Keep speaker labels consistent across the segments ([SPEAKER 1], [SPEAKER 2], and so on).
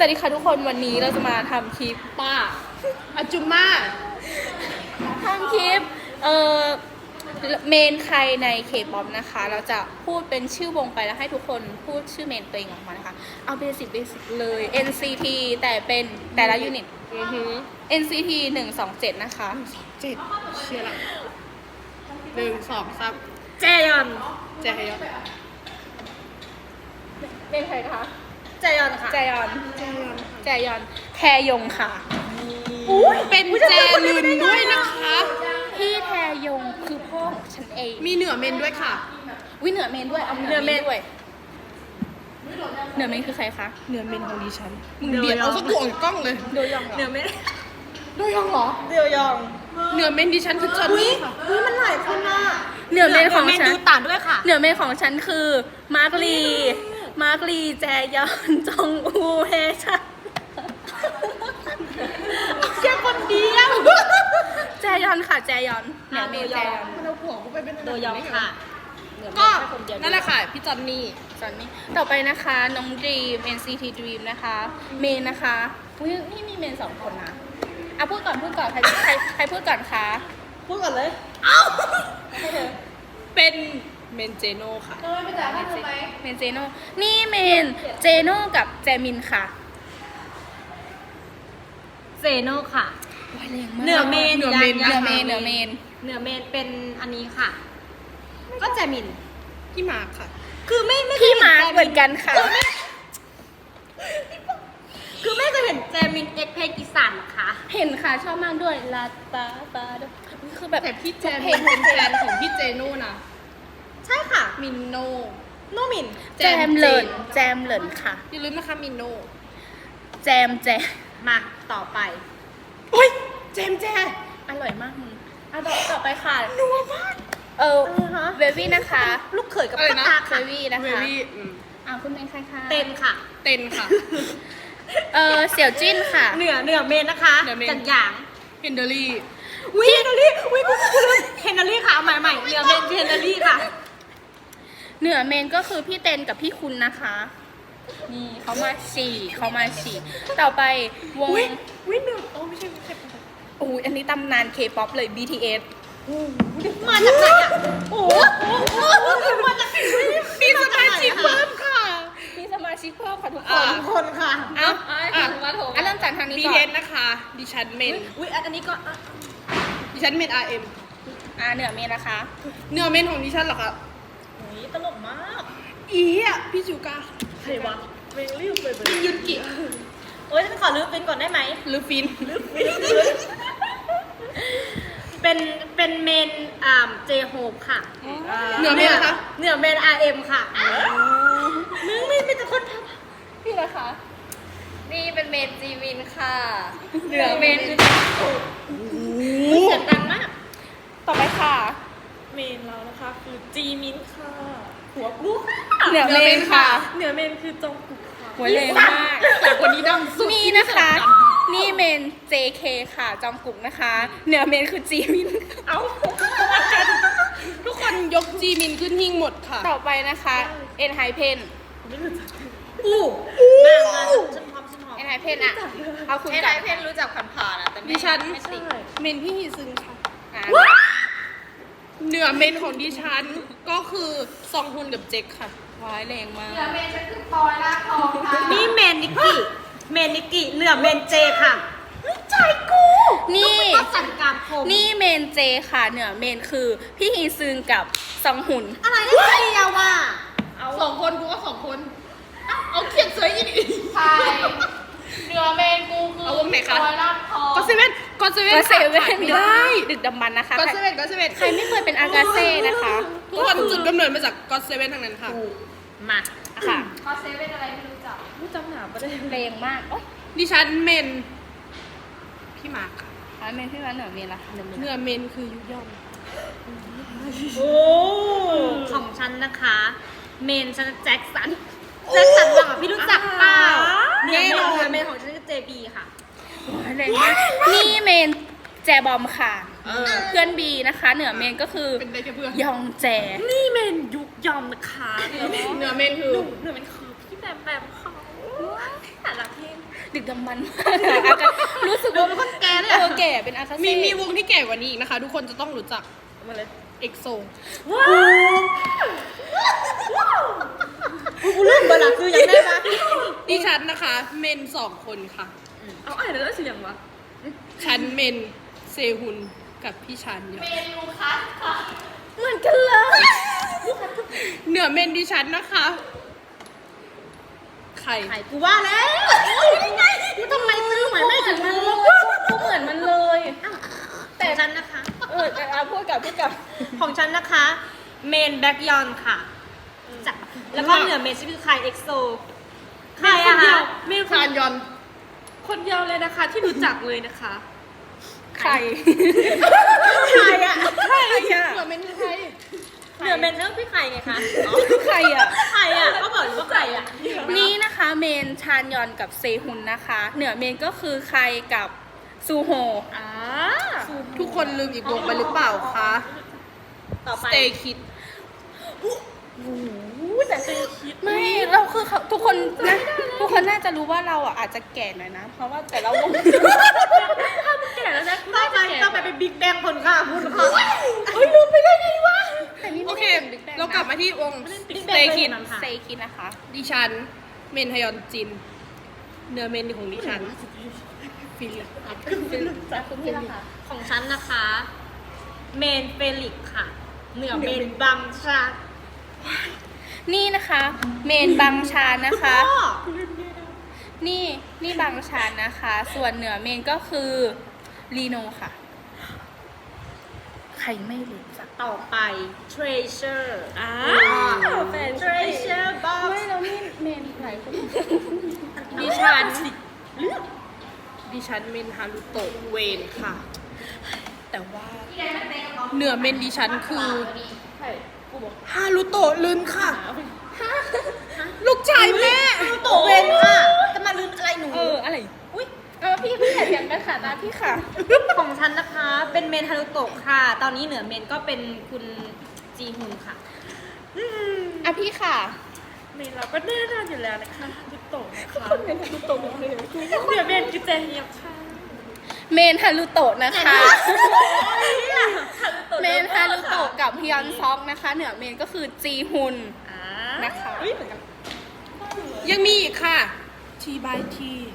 [SPEAKER 1] วัสดีค่ะทุกคนวันนี้เราจะมาทำคลิป
[SPEAKER 2] ป้าอาจุม่า
[SPEAKER 1] ทำคลิปเมนใครในเคป๊อปนะคะ เราจะพูดเป็นชื่อวงไปแล้วให้ทุกคนพูดชื่อเมนตัวเองออกมานะคะเอาเบสิกเลย NCT แต่เป็นแต่ละยูนิตNCT 127นะคะ
[SPEAKER 2] 7เชื่อละ1 2 3
[SPEAKER 1] แจยอน
[SPEAKER 2] แจฮยอน
[SPEAKER 1] เมนใครคะ
[SPEAKER 2] แจยอนค่ะ
[SPEAKER 1] แจยอนแทยงค่ะ
[SPEAKER 2] เป็นแจลึนด้วยนะคะ
[SPEAKER 1] พี่แทยงคือพ่อของฉันเอง
[SPEAKER 2] มีเหนือเมนด้วยค่ะ
[SPEAKER 1] เหนือเมนด้วยเอาเหนือเมนด้วยเหนือเมนคือใครคะ
[SPEAKER 2] เหนือเมนของดิฉันมึงเบียดเอาสักตัวออกกล้องเลย
[SPEAKER 1] โดยองเหนือเมน
[SPEAKER 2] โดยองเหรอ
[SPEAKER 1] โดยอง
[SPEAKER 2] เหนือเมนดิฉันคือจอนนี่ค่ะ
[SPEAKER 1] มันหลายคนน่ะเหนือเมนของฉัน
[SPEAKER 2] ดูต่างด้วยค่ะ
[SPEAKER 1] เหนือเมนของฉันคือมาร์กลีแจยอนจองอูเฮชัน
[SPEAKER 2] แค่คนเดียว
[SPEAKER 1] แจยอนค่ะแจยอนเหนือเมนแจยอน
[SPEAKER 2] มันเอาผัวกูไปเป็น
[SPEAKER 1] โดยองค่ะ
[SPEAKER 2] ก็นั่นแหละค่ะพี่จอนนี่
[SPEAKER 1] ต่อไปนะคะน้องดีม NCT Dream นะคะเมนนะคะนี่มีเมน2 คนนะพูดก่อนใครพูดก่อนคะ
[SPEAKER 2] พูดก่อนเลยเอ้าเป็นเมนเจโน่ค่ะ
[SPEAKER 1] ไม่จ่ายให้เธอไหมเมนเจโน่นี่เมนเจโน่กับแจมินค่ะ
[SPEAKER 3] เจโน่ค่ะ
[SPEAKER 1] เหนือเมน
[SPEAKER 3] เป็นอันนี้ค่ะก็แจมิน
[SPEAKER 2] พี่มาร์คค่ะ
[SPEAKER 3] คือไม่
[SPEAKER 1] พี่มาร์คเหมือนกันค่ะ
[SPEAKER 3] คือไม่เคยเห็นแจมินเอ็กเพลงอีสานหรอคะ
[SPEAKER 1] เห็นค่ะชอบมากด้วยลาตาคือแบบ
[SPEAKER 2] แต่พี่แจมเป็นแฟนของพี่เจโน่นะ
[SPEAKER 3] ใช่ค่ะ
[SPEAKER 2] มินโน
[SPEAKER 3] มิน
[SPEAKER 1] แจมเหลินค่ะ
[SPEAKER 2] อย่าลืมนะคะมินโน
[SPEAKER 1] แจม
[SPEAKER 3] มาต่อไป
[SPEAKER 2] โอ้ยแจม
[SPEAKER 1] อร่อยมากมึงต่อไปค่ะ
[SPEAKER 2] นัวมาก
[SPEAKER 1] เววี่นะคะ
[SPEAKER 3] ลูกเขยกับพ่อตาค่ะ
[SPEAKER 1] เววี่นะคะคุณเป็นใครคะ
[SPEAKER 3] เต้นค่ะ
[SPEAKER 1] เสี่ยวจิ้นค่ะ
[SPEAKER 3] เหนือเมนนะคะจันหยาง
[SPEAKER 2] เฮนเดอรี่
[SPEAKER 3] เฮนเดอรี่ค่ะเอาใหม่เหนือเมนเฮนเดอรี่ค่ะ
[SPEAKER 1] เหนือเมนก็คือพี่เต้นกับพี่คุณนะคะนี่เขามาฉี่ต่อไปวง
[SPEAKER 2] เหนือไม่ใช่
[SPEAKER 1] อันนี้ตำนานเคป๊อปเลย BTS
[SPEAKER 3] มาจากไหนอ่ะมาจาก
[SPEAKER 2] มีสมาชิกเพิ่มค่ะ
[SPEAKER 1] มีสมาชิกเพิ่มค่ะทุก
[SPEAKER 3] คนค่ะ
[SPEAKER 1] เริ่มจากทางนี้ก่อน
[SPEAKER 2] BTS นะคะดิฉันเมน
[SPEAKER 3] อันนี้ก็
[SPEAKER 2] ดิฉันเมน RM
[SPEAKER 1] เหนือเมนนะคะ
[SPEAKER 2] เหนือเมนของดิฉันเหรอคะ
[SPEAKER 3] ตลกมาก
[SPEAKER 2] พี่จูก้า
[SPEAKER 3] ใครวะเวงรีบเลย
[SPEAKER 2] พี่ยุนกิ
[SPEAKER 3] ฉันขอลืมฟินก่อนได้ไหม
[SPEAKER 2] ฟิน
[SPEAKER 3] เป็นเมนเจโฮปค่ะ
[SPEAKER 2] เหนือเมนนะคะ
[SPEAKER 3] เหนือเมน RM ค่ะมึงไม่จะคน
[SPEAKER 1] พี่นะคะ
[SPEAKER 3] นี่เป็นเมนจีวินค่ะ
[SPEAKER 1] เหนือเมนคือ
[SPEAKER 3] เสียงดังมาก
[SPEAKER 1] ต่อไปค่ะ
[SPEAKER 3] เมนเรานะคะคือจีมินค่ะหัวลูก
[SPEAKER 1] เหนือเมนค่ะ
[SPEAKER 3] เหนือเมนคือจงกุกค่ะ
[SPEAKER 1] หัวเลยมาก
[SPEAKER 2] แต่คนนี้ดังสุด
[SPEAKER 1] นี่นะคะนี่เมน JK ค่ะจองกุกนะคะเหนือเมนคือจีมิน
[SPEAKER 2] ทุกคนยกจีมินขึ้นหิ้งหมดค่ะ
[SPEAKER 1] ต่อไปนะคะเอ็นไฮเพน
[SPEAKER 3] ฉันพร้อม
[SPEAKER 1] เอ็นไฮเพนอ่ะเอาคุณ
[SPEAKER 3] ไฮเพนรู้จักผ่านๆแต่
[SPEAKER 2] ดิฉันเมนพี่ฮีซึงค่ะเหนือเมนของดิฉันก็คือซองฮุนกับเจ็คค่ะ
[SPEAKER 1] ว้ายแรงมาก
[SPEAKER 3] เหนือเมนฉันคือพลอยลากทองค่ะนี่เมนนิกกี้เหนือเมนเจค่ะใจกู
[SPEAKER 1] นี่
[SPEAKER 3] สันกามคม
[SPEAKER 1] นี่เมนเจค่ะเหนือเมนคือพี่ฮีซึงกับซองฮุน
[SPEAKER 3] อะไรได้เดียวว่ะ
[SPEAKER 2] 2 คนกูก็2 คนเอาเขียนสวยอีก
[SPEAKER 1] ใช่เหนือเมนกูคือ
[SPEAKER 2] เอาวงไหนคะก็เซเว่น
[SPEAKER 1] ได้ดึกดำบรรพ์นะคะ
[SPEAKER 2] ก็เซเว่น
[SPEAKER 1] ใครไม่เคยเป็นอากาเซ่นะคะ
[SPEAKER 2] ทุกคนจุดกำเนิดมาจากก็เซเว่นทั้งนั้นค่ะ
[SPEAKER 1] มาค่ะ
[SPEAKER 3] ก็เซเว่นอะไรไม่รู้จัก
[SPEAKER 1] หนาประเด็นแรงมาก
[SPEAKER 2] ดิฉันเมนพี่มาร์ค
[SPEAKER 1] ค่ะเมนพี่มาร์คเหนือเมนละ
[SPEAKER 2] เหนือเมนคือยุยอม
[SPEAKER 3] ของฉันนะคะเมนฉันแจ็คสันหรอพี่รู้จักเปล่าเมนของฉันคือ JB ค่ะ
[SPEAKER 1] แรงมากนี่เมนแจบอมค่ะเพื่อนบีนะคะเหนือเมนก็คือ
[SPEAKER 2] เป็นได้แค่เพื่อน
[SPEAKER 1] ยองแจ
[SPEAKER 3] นี่เมนยุกยอมนะคะ
[SPEAKER 2] เหนือเมนคือ
[SPEAKER 3] พี่แบมเขาแต่ละเพลง
[SPEAKER 1] ดึกดำบรรพ์มากอะอาจจะรู้สึกว่า
[SPEAKER 3] เป็นคนแก่เลยอะ
[SPEAKER 1] แก่เป็นอากาเซ่
[SPEAKER 2] มีวงที่แก่กว่านี้อีกนะคะ ทุกคนจะต้องรู้จัก
[SPEAKER 3] มาเลย
[SPEAKER 2] เอ็กโซ
[SPEAKER 3] ว้าวกูลืมเบอร์ละคือยังได้ปะ
[SPEAKER 2] ดิฉันนะคะ เมน2 คนค่ะ
[SPEAKER 3] เอาอ่านแล้วเสียงวะ
[SPEAKER 2] ฉันเมนเซฮุนกับพี่ชันเนี่ย
[SPEAKER 1] เหมือนกันเลย
[SPEAKER 2] เหนือเมนดิฉันนะคะ ใคร
[SPEAKER 3] ไข่กูว่าแล้วกูทำไมซื้อเหมือนไม่ถึงมันเลย
[SPEAKER 1] ก็เหมือนมันเลย
[SPEAKER 3] แต่ฉันนะคะ
[SPEAKER 1] แต่พูดกับ
[SPEAKER 3] ของฉันนะคะ เมนแบ็กยอนค่ะจ้ะแล้วก็เหนือเมนชื่อใครเอ็กโซใครอะคะ
[SPEAKER 2] เมนคานยอน
[SPEAKER 4] คนเดียวเลยนะคะที่รู้จักเลยนะคะ
[SPEAKER 1] ใคร
[SPEAKER 3] ใครอะ
[SPEAKER 1] ใครอะ
[SPEAKER 2] เหนือเมนใคร
[SPEAKER 3] เหนือเมนชื่อพี่ไข่ไงคะ
[SPEAKER 1] ใครอะ
[SPEAKER 3] ใครอะก็บอกอยู่ว่าใครอะ
[SPEAKER 1] นี่นะคะเมนชานยอนกับเซฮุนนะคะ เหนือเมนก็คือใครกับซูโฮ
[SPEAKER 3] อ่า
[SPEAKER 2] ทุกคนลืมอีกวงไปหรือเปล่าคะ
[SPEAKER 3] ต่อไป
[SPEAKER 2] Stay Kid
[SPEAKER 3] แต่เคยคิด
[SPEAKER 1] ไม่เราคือเขาทุกคนนะทุกคนน่าจะรู้ว่าเราอ่ะอาจจะแก่หน่อยนะ เพราะว่าแต่ละวง
[SPEAKER 3] แก่แล้วนะต่อไปเป็นบิ๊กแบงคนค่ะคุณค่ะ
[SPEAKER 1] เฮ้ยลืมไปได้ไงวะแต่นี่
[SPEAKER 2] โอ
[SPEAKER 1] ไม่
[SPEAKER 2] เค
[SPEAKER 1] ได้เป็น Big Bang
[SPEAKER 2] เรากลับมาที่วง
[SPEAKER 3] Big Bang
[SPEAKER 2] Stay
[SPEAKER 3] เคย
[SPEAKER 2] Kid
[SPEAKER 3] เห็นมั้ย
[SPEAKER 1] เซคินนะคะ
[SPEAKER 2] ดิฉัน เมนฮยอนจิน เหนือเมนของดิฉัน ฟิลิป
[SPEAKER 1] คุณพี่ละคะ
[SPEAKER 3] ของฉันนะคะ เมนเฟลิกซ์ค่ะ เหนือเมนบังชา
[SPEAKER 1] นี่นะคะ เมนบางชานนะคะ
[SPEAKER 3] พ่อ
[SPEAKER 1] นี่บางชานนะคะ ส่วนเหนือเมนก็คือลีโนค่ะ ใครไม่รู้จัก
[SPEAKER 3] ต่อไป Treasure แฟน Treasure Box
[SPEAKER 1] ไม่แล้วนี่เมนหลายคน
[SPEAKER 2] ดิฉัน ดิฉันเมนฮารุโตะเวนค่ะ แต่ว่า เหนือเมนดิฉันคือฮารุโตะลืนค่ะ ลูกชายแม่
[SPEAKER 3] โตเวนค่ะ จะมาลืมอะไรหนู
[SPEAKER 1] อะไรอุ้ยพี่อย่าเถียงกันค่ะตาพี่ค่ะ
[SPEAKER 3] ของฉันนะคะ เป็นเมนฮารุโตะค่ะ ตอนนี้เหนือเมนก็เป็นคุณจีฮุนค่ะ
[SPEAKER 1] พี่ค่ะ
[SPEAKER 4] เมนเราก็แน่นอนอยู่แล้วนะคะทุกโตะนะคะ
[SPEAKER 1] เมนฮารุโตะเลย
[SPEAKER 4] เดี๋ยวเมนคือเจเฮียบค่ะ
[SPEAKER 1] เมนฮารุโตะนะคะ เมนฮารุโตะกับฮยอนซอกนะคะ เหนือเมนก็คือจีฮุนนะคะ
[SPEAKER 2] ยังมีอีกค่ะ T by T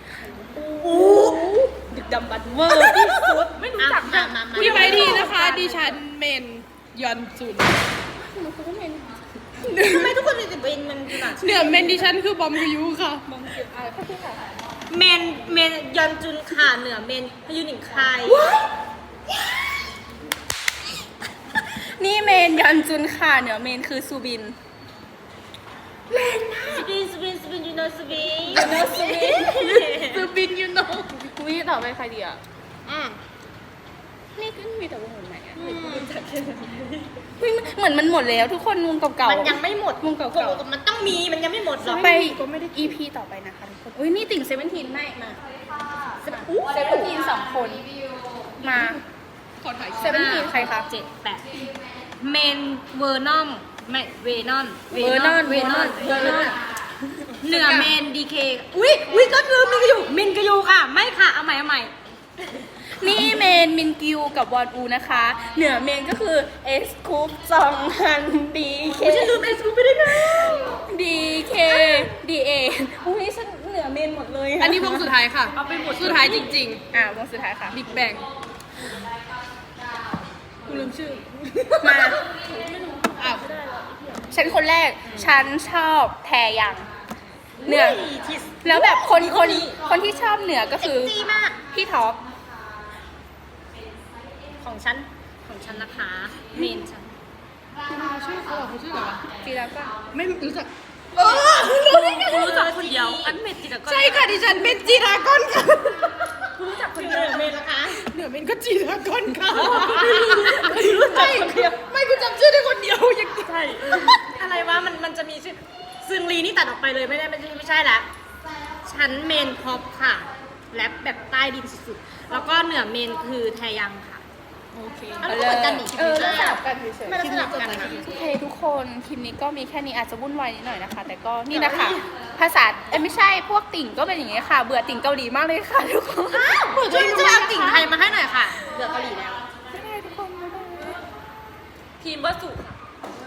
[SPEAKER 1] ดึกดำบรรพ์เวอร์ที่สุด
[SPEAKER 4] ไม่รู้จัก
[SPEAKER 3] มา
[SPEAKER 2] T by T นะคะ ดิฉันเมนยอนจุน
[SPEAKER 3] ทำไมทุกคนถึงเป็นมันขนาด
[SPEAKER 2] เหนือเมนดิฉันคือบอมฮยุค่ะ
[SPEAKER 3] เมนยอนจุนค่ะ เหนือเมนพยุนิงคาย
[SPEAKER 1] นี่เมนยอนจุนค่ะ เหนือเมนคือซูบิน
[SPEAKER 3] สปินยูโนสปิน
[SPEAKER 2] ซูบินยูโน
[SPEAKER 1] อุ้ยต่อไปใครดีอ่ะนี่ก็มีแต่วงไหนอ่ะเฮ้ยเหมือนมันหมดแล้วทุกคนวงเก่าๆ
[SPEAKER 3] มันยังไม่หมด
[SPEAKER 1] วงเก่า
[SPEAKER 3] มันต้องมี มันยังไม่หมดหรอก
[SPEAKER 1] ๆไป EP ต่อไปนะคะทุกคนอุ้ยนี่ติ่งเซเว่นทีนไม่มาเซเว่นทีน2 คนมา
[SPEAKER 2] ขอถ่าย
[SPEAKER 1] เซเว่นทีนใครคะ
[SPEAKER 3] 7 8 เมนเวอร์นอมไม่เวนอน
[SPEAKER 1] เวอร์นอน
[SPEAKER 3] เหนือเมนดีเคอุ้ยก็ลืมมินกยูมินกยูค่ะ ไม่ค่ะ เอาใหม่
[SPEAKER 1] นี่เมนมินกิวกับวอนอูนะคะ เหนือเมนก็คือเอสคูปซองฮันดีเค
[SPEAKER 3] ฉันลืมเอสกูไปได้ไง
[SPEAKER 1] ดีเคดีเออุ้ยฉันเหนือเมนหมดเลยะ
[SPEAKER 2] อันนี้วงสุดท้ายค่ะ
[SPEAKER 4] เอาไปหมด
[SPEAKER 2] สุดท้ายจริง
[SPEAKER 1] วงสุดท้ายค่ะ
[SPEAKER 2] ๆ บิ๊กแบงกูลืมชื่อ
[SPEAKER 1] มา
[SPEAKER 2] อ้าว
[SPEAKER 1] ฉันคนแรก ฉันชอบแทยังเหนือ แล้วแบบคนที่ชอบเหนือก็คือ
[SPEAKER 3] จีมาก
[SPEAKER 1] พี่ท็อป
[SPEAKER 3] ของฉันนะคะ เมนฉัน
[SPEAKER 2] ชื่อเขาเหรอเขาชื่ออะไรวะ
[SPEAKER 1] จีแล้วก็
[SPEAKER 2] ไม่รู้จัก
[SPEAKER 4] กูรู้จักคนเดียว อันเมนจิตรกร
[SPEAKER 2] ใช่ค่ะ ดิฉันเป็นจีรากอนค่ะ
[SPEAKER 3] รู้จักคนเดียวเมนนะคะ
[SPEAKER 2] เหนือเมนก็จีรากอนค่ะไม่กูจำชื่อได้คนเดียวอย่าง
[SPEAKER 4] ใช่
[SPEAKER 3] อะไรวะมันจะมีชื่อซึงลีนี่ตัดออกไปเลยไม่ใช่ละฉันเมนพ็อปค่ะแรปแบบใต้ดินสุดๆแล้วก็เหนือเมนคือแทยังค่ะ
[SPEAKER 2] โอเค
[SPEAKER 3] อันนั้นก็เหมือนกันนี่
[SPEAKER 1] สลับกันเฉย
[SPEAKER 3] ไม่ได้สลับกันนะ
[SPEAKER 1] โอเคทุกคนคลิปนี้ก็มีแค่นี้อาจจะวุ่นวายนิดหน่อยนะคะ แต่ก็นี่นะคะภาษาไม่ใช่พวกติ่งก็เป็นอย่างนี้ค่ะ เบื่อติ่งเกาหลีมากเลยค่ะทุกคน
[SPEAKER 3] ช่วยเอาติ่งไทยมาให้หน่อยค่ะเบื่อเกาหลีแล้ว
[SPEAKER 1] บ๊ายบายทุกคนบ๊ายบาย
[SPEAKER 4] ทีมวัสสุค่ะ